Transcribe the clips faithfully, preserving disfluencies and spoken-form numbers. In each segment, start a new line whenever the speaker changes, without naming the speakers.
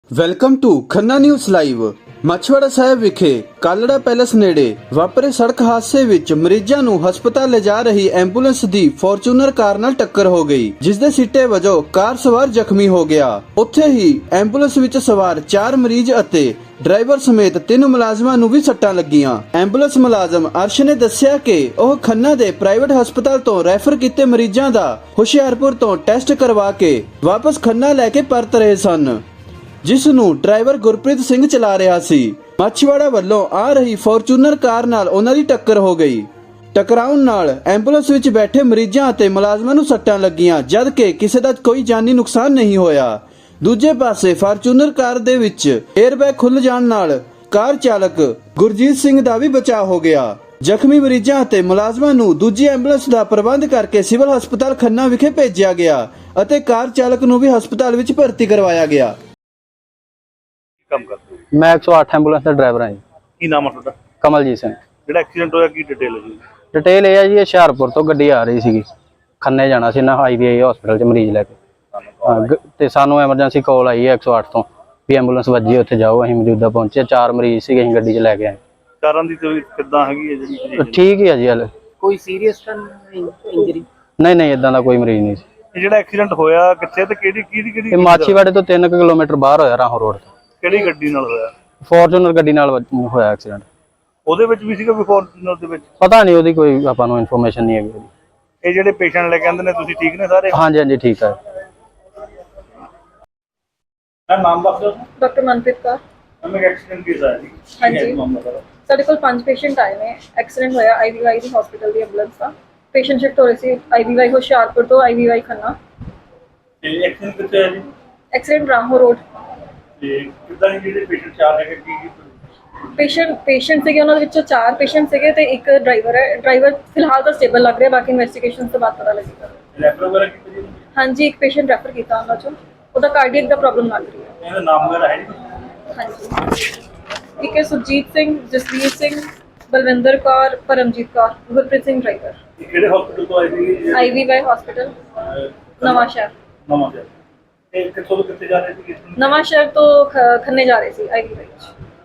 Welcome to Khanna news live. Machhiwara Sahib ਵਿਖੇ Kalra palace ਨੇੜੇ ਵਾਪਰੇ ਸੜਕ ਹਾਦਸੇ ਵਿੱਚ ਮਰੀਜ਼ਾਂ ਨੂੰ ਹਸਪਤਾਲ ਲਿਜਾ ਰਹੀ ਐਂਬੂਲੈਂਸ ਦੀ ਫੋਰਚੂਨਰ ਕਾਰ ਨਾਲ ਟੱਕਰ ਹੋ ਗਈ, ਜਿਸ ਦੇ ਸਿੱਟੇ ਵਜੋਂ ਕਾਰ ਸਵਾਰ ਜ਼ਖਮੀ ਹੋ ਗਿਆ। ਉੱਥੇ ਹੀ ਐਂਬੂਲੈਂਸ ਵਿੱਚ ਸਵਾਰ ਚਾਰ ਮਰੀਜ਼ ਅਤੇ ਡਰਾਈਵਰ ਸਮੇਤ ਤਿੰਨ ਮੁਲਾਜ਼ਮਾਂ ਨੂੰ ਵੀ ਸੱਟਾਂ ਲੱਗੀਆਂ। ਐਂਬੂਲੈਂਸ ਮੁਲਾਜ਼ਮ ਅਰਸ਼ ਨੇ ਦੱਸਿਆ ਕਿ ਉਹ ਖੰਨਾ ਦੇ ਪ੍ਰਾਈਵੇਟ ਹਸਪਤਾਲ ਤੋਂ ਰੈਫਰ ਕੀਤੇ ਮਰੀਜ਼ਾਂ ਦਾ ਹੁਸ਼ਿਆਰਪੁਰ ਤੋਂ ਟੈਸਟ ਕਰਵਾ ਕੇ ਵਾਪਸ ਖੰਨਾ ਲੈ ਕੇ ਪਰਤ ਰਹੇ ਸਨ, ਜਿਸ ਨੂੰ ਡਰਾਈਵਰ ਗੁਰਪ੍ਰੀਤ ਸਿੰਘ ਚਲਾ ਰਿਹਾ ਸੀ। ਮੱਛਵਾੜਾ ਵੱਲੋਂ ਆ ਰਹੀ ਫੋਰਚੂਨਰ ਕਾਰ ਨਾਲ ਉਹਨਾਂ ਦੀ ਟੱਕਰ ਹੋ ਗਈ। ਟਕਰਾਉਣ ਨਾਲ ਐਂਬੂਲੈਂਸ ਵਿੱਚ ਬੈਠੇ ਮਰੀਜ਼ਾਂ ਅਤੇ ਮੁਲਾਜ਼ਮਾਂ ਨੂੰ ਸੱਟਾਂ ਲੱਗੀਆਂ, ਜਦ ਕਿ ਕਿਸੇ ਦਾ ਕੋਈ ਜਾਨੀ ਨੁਕਸਾਨ ਨਹੀਂ ਹੋਇਆ। ਦੂਜੇ ਪਾਸੇ ਫੋਰਚੂਨਰ ਕਾਰ ਦੇ ਵਿੱਚ 에ਅਰਬੈਗ ਖੁੱਲ ਜਾਣ ਨਾਲ ਕਾਰ ਚਾਲਕ ਗੁਰਜੀਤ ਸਿੰਘ ਦਾ ਵੀ ਬਚਾਅ ਹੋ ਗਿਆ। ਜ਼ਖਮੀ ਮਰੀਜ਼ਾਂ ਅਤੇ ਮੁਲਾਜ਼ਮਾਂ ਨੂੰ ਦੂਜੀ ਐਂਬੂਲੈਂਸ ਦਾ ਪ੍ਰਬੰਧ ਕਰਕੇ ਸਿਵਲ ਹਸਪਤਾਲ ਖੰਨਾ ਵਿਖੇ ਭੇਜਿਆ ਗਿਆ ਅਤੇ ਕਾਰ ਚਾਲਕ ਨੂੰ ਵੀ ਹਸਪਤਾਲ ਵਿੱਚ ਭਰਤੀ ਕਰਵਾਇਆ ਗਿਆ।
ਕੰਮ ਕਰਦੇ ਹੋ?
मैं एक सौ आठ ਐਂਬੂਲੈਂਸ ਦਾ ਡਰਾਈਵਰ ਹਾਂ ਜੀ।
ਕੀ ਨਾਮ ਹੈ ਤੁਹਾਡਾ?
ਕਮਲਜੀਤ ਸਿੰਘ।
ਜਿਹੜਾ ਐਕਸੀਡੈਂਟ ਹੋਇਆ ਕੀ ਡਿਟੇਲ ਹੈ ਜੀ?
ਡਿਟੇਲ ਇਹ ਹੈ ਜੀ, ਹੁਸ਼ਿਆਰਪੁਰ ਤੋਂ ਗੱਡੀ ਆ ਰਹੀ ਸੀਗੀ, ਖੰਨੇ ਜਾਣਾ ਸੀ ਨਾ ਆਈਵੀਆਈ ਹਸਪੀਟਲ 'ਚ ਮਰੀਜ਼ ਲੈ ਕੇ। ਹਾਂ, ਤੇ ਸਾਨੂੰ ਐਮਰਜੈਂਸੀ ਕਾਲ ਆਈ ਹੈ ਇੱਕ ਸੌ ਅੱਠ ਤੋਂ ਵੀ ਐਂਬੂਲੈਂਸ ਵੱਜੀ, ਉੱਥੇ ਜਾਓ। ਅਸੀਂ ਮੌਜੂਦਾ ਪਹੁੰਚੇ, ਚਾਰ ਮਰੀਜ਼ ਸੀਗੇ, ਅਸੀਂ ਗੱਡੀ 'ਚ ਲੈ ਕੇ ਆਏ।
ਕਾਰਾਂ ਦੀ ਤਬੀਅਤ ਕਿੱਦਾਂ ਹੈਗੀ ਹੈ ਜਿਹੜੀ?
ਠੀਕ ਹੀ ਆ ਜੀ। ਹਲੇ
ਕੋਈ ਸੀਰੀਅਸ ਤਾਂ ਇੰਜਰੀ?
ਨਹੀਂ ਨਹੀਂ, ਇਦਾਂ ਦਾ ਕੋਈ ਮਰੀਜ਼ ਨਹੀਂ ਸੀ।
ਇਹ ਜਿਹੜਾ ਐਕਸੀਡੈਂਟ ਹੋਇਆ ਕਿੱਥੇ ਤੇ ਕਿਹੜੀ ਕਿਹਦੀ ਕਿਹਦੀ
ਇਹ ਮਾਛੀਵਾੜੇ ਤੋਂ ਤਿੰਨ ਕਿਲੋਮੀਟਰ ਬਾਹਰ ਹੋਇਆ, ਰਾਹੋਂ ਰੋਡ ਤੋਂ।
ਕਿਹੜੀ ਗੱਡੀ ਨਾਲ ਹੋਇਆ?
ਫੋਰਚੂਨਰ ਗੱਡੀ ਨਾਲ ਵੱਜ- ਹੋਇਆ ਐਕਸੀਡੈਂਟ।
ਉਹਦੇ ਵਿੱਚ ਵੀ ਸੀਗਾ ਕੋਈ ਫੋਰਚੂਨਰ ਦੇ ਵਿੱਚ?
ਪਤਾ ਨਹੀਂ, ਉਹਦੀ ਕੋਈ ਆਪਾਂ ਨੂੰ ਇਨਫੋਰਮੇਸ਼ਨ ਨਹੀਂ ਹੈਗੀ।
ਇਹ ਜਿਹੜੇ ਪੇਸ਼ੈਂਟ ਲੈ ਕੇ ਆਂਦੇ ਨੇ, ਤੁਸੀਂ ਠੀਕ ਨੇ ਸਾਰੇ?
ਹਾਂਜੀ ਹਾਂਜੀ, ਠੀਕ ਹੈ।
ਨਾਮ ਦੱਸ ਦਿਓ।
ਡਾਕਟਰ ਮਨਪ੍ਰੀਤ ਕੌਰ।
ਮੈਂ ਐਕਸੀਡੈਂਟ ਕੇਸ ਆਇਆ ਜੀ।
ਹਾਂਜੀ, ਸਾਡੇ ਕੋਲ ਪੰਜ ਪੇਸ਼ੈਂਟ ਆਏ ਨੇ। ਐਕਸੀਡੈਂਟ ਹੋਇਆ ਆਈਵੀਵਾਈ ਦੀ ਹਸਪੀਟਲ ਦੀ ਐਂਬੂਲੈਂਸ ਦਾ। ਪੇਸ਼ੈਂਟ ਸ਼ਿਫਟ ਹੋ ਰਹੇ ਸੀ ਆਈਵੀਵਾਈ ਹੁਸ਼ਿਆਰਪੁਰ ਤੋਂ ਆਈਵੀਵਾਈ ਖੰਨਾ।
ਤੇ ਐਕਸੀਡੈਂਟ ਕਿੱਥੇ ਹੈ ਜੀ?
Accident Rahon road.
ਤੇ ਕਿੱਦਾਂ ਜਿਹੜੇ ਪੇਸ਼ੈਂਟ ਚਾਰ ਹੈਗੇ ਕੀ ਕੀ?
ਪੇਸ਼ੈਂਟ ਪੇਸ਼ੈਂਟ ਸੀਗੇ, ਉਹਨਾਂ ਦੇ ਵਿੱਚੋਂ ਚਾਰ ਪੇਸ਼ੈਂਟ ਸੀਗੇ ਤੇ ਇੱਕ ਡਰਾਈਵਰ ਹੈ। ਡਰਾਈਵਰ ਫਿਲਹਾਲ ਤਾਂ ਸਟੇਬਲ ਲੱਗ ਰਿਹਾ, ਬਾਕੀ ਇਨਵੈਸਟੀਗੇਸ਼ਨ ਤੋਂ ਬਾਅਦ ਪਤਾ ਲੱਗੇਗਾ।
ਰੈਫਰ ਵਗੈਰਾ ਕਿੱਥੇ ਜੀ?
ਹਾਂਜੀ, ਇੱਕ ਪੇਸ਼ੈਂਟ ਰੈਫਰ ਕੀਤਾ ਉਹਨਾਂ ਚੋਂ, ਉਹਦਾ ਕਾਰਡੀਅਕ ਦਾ ਪ੍ਰੋਬਲਮ ਲੱਗ ਰਹੀ ਹੈ।
ਇਹਦਾ ਨਾਮ ਵਗੈਰਾ ਹੈ ਜੀ?
ਹਾਂਜੀ, ਇੱਕ ਹੈ ਸੁਰਜੀਤ ਸਿੰਘ, ਜਸਵੀਰ ਸਿੰਘ, ਬਲਵਿੰਦਰ ਕੌਰ, ਪਰਮਜੀਤ ਕੌਰ, ਗੁਰਪ੍ਰੀਤ ਸਿੰਘ ਡਰਾਈਵਰ।
ਕਿਹੜੇ ਹਸਪੀਟਲ ਤੋਂ ਆਏ ਸੀ?
ਆਈਵੀਵਾਈ ਹਸਪੀਟਲ ਨਵਾਂ ਸ਼ਹਿਰ।
ਨਵਾਂ ਸ਼ਹਿਰ। ਇਹ ਕਿੱਥੋਂ ਤੋਂ ਕਿੱਥੇ ਜਾ ਰਹੇ ਸੀ?
ਨਵਾਂ ਸ਼ਹਿਰ ਤੋਂ ਖ- ਖੰਨੇ ਜਾ ਰਹੇ ਸੀ ਆਈਵੀਵਾਈ ਚ।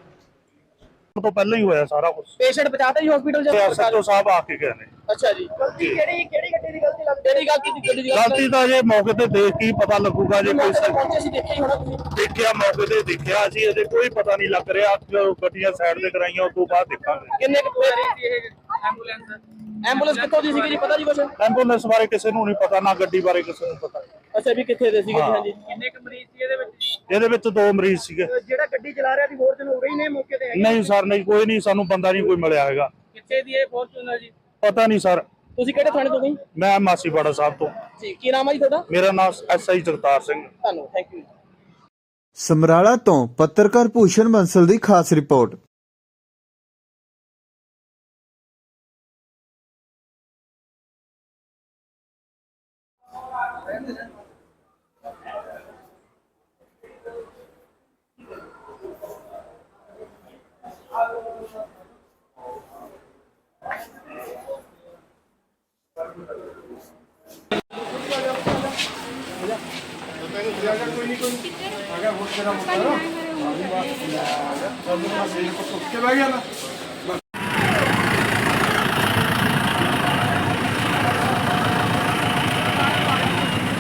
ਤੋਂ ਪਹਿਲਾਂ ਹੀ ਹੋਇਆ ਸਾਰਾ ਕੁਝ।
ਪੇਸ਼ੈਂਟ ਬਚਾਤਾ ਜੀ ਹਸਪੀਟਲ ਚ?
ਐਸਐਚਓ ਸਾਹਿਬ ਆ ਕੇ ਗਏ ਨੇ।
ਅੱਛਾ ਜੀ। ਗਲਤੀ ਕਿਹੜੀ ਕਿਹੜੀ ਗੱਡੀ ਦੀ ਗਲਤੀ ਲੱਗਦੀ? ਕਿਹੜੀ ਗਲਤੀ ਦੀ ਗੱਡੀ ਦੀ
ਗਲਤੀ ਤਾਂ ਜੇ ਮੌਕੇ ਤੇ ਦੇਖ ਕੇ ਹੀ ਪਤਾ ਲੱਗੂਗਾ। ਜੇ ਕੋਈ ਸ-
ਪਹੁੰਚੇ ਸੀ, ਦੇਖਿਆ ਹੀ ਹੋਣਾ ਤੁਸੀਂ।
ਦੇਖਿਆ, ਮੌਕੇ ਤੇ ਦੇਖਿਆ ਸੀ, ਅਜੇ ਕੋਈ ਪਤਾ ਨਹੀਂ ਲੱਗ ਰਿਹਾ। ਜਦੋਂ ਗੱਡੀਆਂ ਸਾਈਡ ਤੇ ਕਰਾਈਆਂ ਉਸ ਤੋਂ ਬਾਅਦ ਦੇਖਾਂਗੇ।
ਕਿੰਨੇ ਕੁ ਪੈ ਰਹੀ ਸੀ ਇਹ ਐਂਬੂਲੈਂਸ? ਐਂਬੂਲੈਂਸ ਕਿੱਥੋਂ ਦੀ ਸੀਗੀ ਜੀ, ਪਤਾ ਜੀ ਕੁਛ?
ਐਂਬੂਲੈਂਸ ਬਾਰੇ ਕਿਸੇ ਨੂੰ ਨਹੀਂ ਪਤਾ, ਨਾ ਗੱਡੀ ਬਾਰੇ ਕਿਸੇ ਨੂੰ ਪਤਾ।
ਅੱਛਾ, ਵੀ ਕਿੱਥੇ ਦੇ ਸੀਗੇ ਜੀ?
ਹਾਂ।
ਹਾਂਜੀ, ਕਿੰਨੇ ਕੁ ਮਰੀਜ਼ ਸੀ ਇਹਦੇ ਵਿੱਚ?
ਇਹਦੇ ਵਿੱਚ ਦੋ ਮਰੀਜ਼ ਸੀਗੇ।
ਜਿਹੜਾ ਗੱਡੀ ਚਲਾ ਰਿਹਾ ਸੀ ਫੋਰਚੂਨਰ ਹੋ ਗਈ ਨੇ ਮੌਕੇ ਤੇ?
ਨਹੀਂ ਸਰ, ਨਹੀਂ, ਕੋਈ ਨਹੀਂ, ਸਾਨੂੰ ਬੰਦਾ ਨਹੀਂ ਕੋਈ ਮਿਲਿਆ ਹੈਗਾ।
ਕਿੱਥੇ ਦੀ ਇਹ ਫੋਰਚੂਨਰ ਜੀ?
ਪਤਾ ਨਹੀਂ ਸਰ।
ਤੁਸੀਂ ਕਿਹੜੇ ਥਾਣੇ ਤੋਂ ਗਈ
ਮੈਂ ਮਾਸੀਵਾੜਾ ਸਾਹਿਬ ਤੋਂ।
ਜੀ? ਕੀ ਨਾਮ ਹੈ ਜੀ ਤੁਹਾਡਾ?
ਮੇਰਾ ਨਾਮ ਐਸਆਈ ਜਗਤਾਰ ਸਿੰਘ।
ਤੁਹਾਨੂੰ ਥੈਂਕ ਯੂ।
ਸਮਰਾਲਾ ਤੋਂ ਪੱਤਰਕਾਰ ਭੂਸ਼ਣ ਬੰਸਲ ਦੀ ਖਾਸ ਰਿਪੋਰਟ।
ਕਿੱਥੇ ਬਹਿ ਗਿਆ ਨਾ?